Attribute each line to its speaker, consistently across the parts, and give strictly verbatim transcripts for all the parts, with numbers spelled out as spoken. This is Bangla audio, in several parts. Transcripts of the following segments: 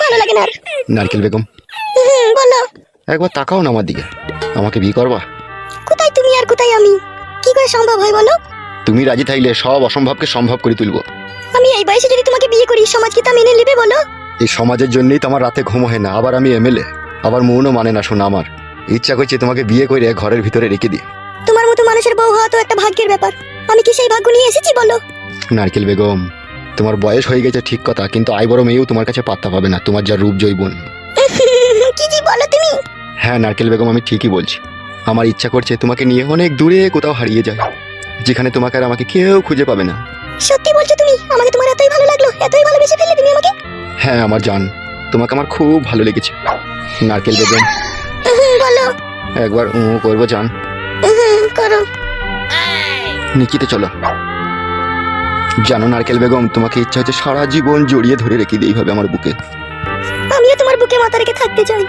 Speaker 1: ভালো লাগে না আর।
Speaker 2: নারকেল বেগম,
Speaker 1: হুম বলো।
Speaker 2: একবার তাকাও না আমার দিকে, আমাকে বিয়ে করবা?
Speaker 1: কোথায় তুমি আর কোথায় আমি? কি করে সম্ভব হয় বলো?
Speaker 2: তুমি রাজি থাকলে সব অসম্ভবকে সম্ভব করে তুলবো।
Speaker 1: আমি এই বয়সে যদি তোমাকে বিয়ে করি, সমাজ কি তা মেনে নেবে বলো?
Speaker 2: এই সমাজের জন্যই তো আমার রাতে ঘুম হয় না। আবার আমি এমএলএ, আবার মনও মানে না শোনা। আমার ইচ্ছা করছে তোমাকে বিয়ে করে ঘরের ভিতরে রেখে দিই।
Speaker 1: তোমার মতো মানুষের বউ হওয়া তো একটা ভাগ্যের ব্যাপার। আমি কি সেই ভাগ্য নিয়ে এসেছি বলো?
Speaker 2: নারকেল বেগম, তোমার বয়স হয়ে গেছে ঠিক কথা, কিন্তু আই বড় মেয়েও তোমার কাছে পাত্তা পাবে না, তোমার যা রূপ জৈবন।
Speaker 1: কি কি বলো তুমি?
Speaker 2: হ্যাঁ নারকেল বেগম, আমি ঠিকই বলছি। আমার ইচ্ছা করছে তোমাকে নিয়ে অনেক দূরে কোথাও হারিয়ে যায়, যেখানে তোমাকে আর আমাকে কেউ খুঁজে পাবে না।
Speaker 1: সত্যি বলছো তুমি? আমাকে তোমার এতই ভালো লাগলো, এতই ভালোবেসে ফেললে তুমি আমাকে?
Speaker 2: হ্যাঁ আমার জান, তোমাকে আমার খুব ভালো লেগেছে। নারকেল বেগম,
Speaker 1: হুম বলো।
Speaker 2: একবার উ করবো জান?
Speaker 1: হুম করো।
Speaker 2: নিকিতে চলো। জানো নারকেল বেগম, তোমাকে ইচ্ছা হচ্ছে সারা জীবন জড়িয়ে ধরে রেখে দিই এইভাবে আমার বুকে।
Speaker 1: আমিও তোমার বুকে মাথা রেখে থাকতে চাই।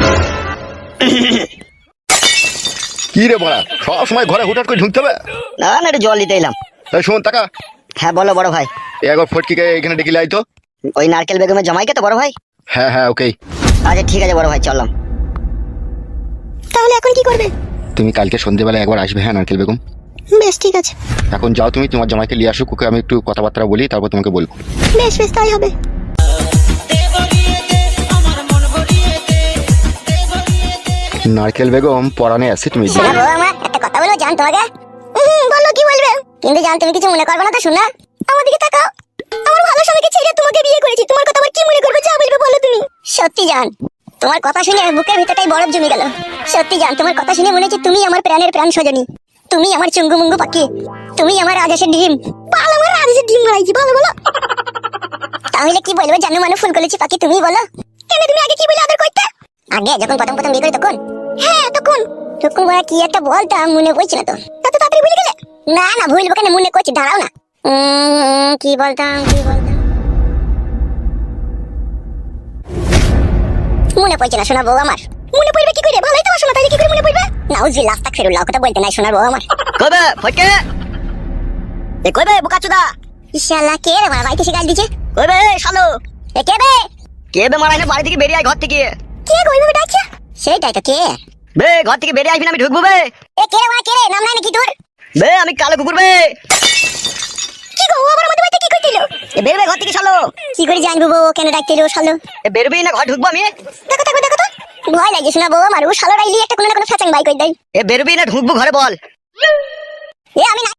Speaker 2: কি রে বড়া, সব সময় ঘরে হুটহাট করে ঢুকতে হবে?
Speaker 3: না না, একটু জল দিতে এলাম।
Speaker 2: এই শোন টাকা,
Speaker 3: হ্যাঁ বলো বড় ভাই।
Speaker 2: একবার ফটকিকে এখানে ডেকে লাই তো।
Speaker 3: ওই নারকেল বেগমের জামাইকে তো বড় ভাই?
Speaker 2: হ্যাঁ হ্যাঁ ওকে।
Speaker 3: আচ্ছা ঠিক আছে বড় ভাই, চললাম।
Speaker 1: তাহলে এখন কি করবে?
Speaker 2: তুমি কালকে সন্ধ্যেবেলা একবার আসবে, হ্যাঁ নারকেল বেগম?
Speaker 1: বেশ ঠিক আছে।
Speaker 2: এখন যাও তুমি, তোমার জামাইকে নিয়ে আসুক, ওকে আমি একটু কথাবার্তা বলি, তারপর তোমাকে বলবো।
Speaker 1: বেশ বেশ তাই হবে।
Speaker 2: নারকেল বেগম, পরানে অ্যাসিড মিশিয়ে
Speaker 4: শোনা বউ আমার, একটা কথা বলবো জান তোমাকে?
Speaker 1: হুম বলো, কি বলবে?
Speaker 4: কিন্তু জান তুমি কিছু মনে করবে না তো? শোনা,
Speaker 1: আমার দিকে তাকাও। আমার ভালো স্বামীকে ছেড়ে তোমাকে বিয়ে করেছি, তোমার কথা আবার কি মনে করবে? যা বলবে বলো তুমি।
Speaker 4: সত্যি জান, তোমার কথা শুনে বুকের ভিতরটাই বরফ জমে গেল। সত্যি জান, তোমার কথা শুনে মনে হচ্ছে তুমি আমার প্রাণের প্রাণ সজনী, তুমি আমার চুঙ্গু মুঙ্গু পাখি, তুমি আমার রাজেশের ডিম।
Speaker 1: ভালো, আমার রাজেশের ডিম মারাইছি, ভালো বলো।
Speaker 4: তাহলে কি বলবো জানো, মানু ফুল করেছি পাখি, তুমি বলো।
Speaker 1: কেন তুমি আগে কি বলে আদর করতে?
Speaker 4: আগে যখন প্রথম প্রথম বিয়ে করি তখন?
Speaker 1: হ্যাঁ তখন।
Speaker 4: তখন বলা কি একটা বলতাম, মনে পড়ছে না তো।
Speaker 1: এত তাড়াতাড়ি ভুলে গেলে?
Speaker 4: না না, ভুলবো কেন, মনে করছি, দাঁড়াও না। উম, কি বলতাম কি বলতাম মনে পড়ছে না সোনার বউ আমার।
Speaker 1: মনে পড়বে কি করে? ভালোই তো বাসো না, তাইলে কি করে মনে পড়বে?
Speaker 4: নাউজুবিল্লাহ, আস্তাগফিরুল্লাহ, কথা বলতে নাই সোনার বউ আমার।
Speaker 3: কবে ফটকে? এ কবে বোকাচোদা?
Speaker 4: ইনশাআল্লাহ, কে রে মারা বাইতে শিকাল দিছে?
Speaker 3: কবে শালো?
Speaker 4: এ কে বে?
Speaker 3: কে বে মারাই না, বাড়ি থেকে বেরিয়ে আয় ঘর থেকে।
Speaker 1: কে গো এইভাবে ডাকছে?
Speaker 4: সেটাই তো, কে?
Speaker 3: বে ঘর থেকে বেরিয়ে আসবি না, আমি ঢুকবো বে।
Speaker 4: এ কে রে মারা, কে রে? নাম নাই নাকি তোর?
Speaker 3: বে আমি কালো কুকুর বে।
Speaker 1: কি গো, ও আবার আমাদের বাড়িতে কি করছিল?
Speaker 3: এ বেরবে ঘর থেকে শালো।
Speaker 4: কি করে জানবো বউ কেন ডাকতেল ও শালো?
Speaker 3: এ বেরবি না, ঘর ঢুকবো আমি।
Speaker 1: দেখো দেখো দেখো তো।
Speaker 4: ভয় লাগে শোনা বউ আমার, ও শালো রাইলি একটা কোনো না কোনো ফ্যাচাং বাই কই দেয়।
Speaker 3: এ বেরবি না ঢুকবো ঘরে বল।
Speaker 4: এ আমি না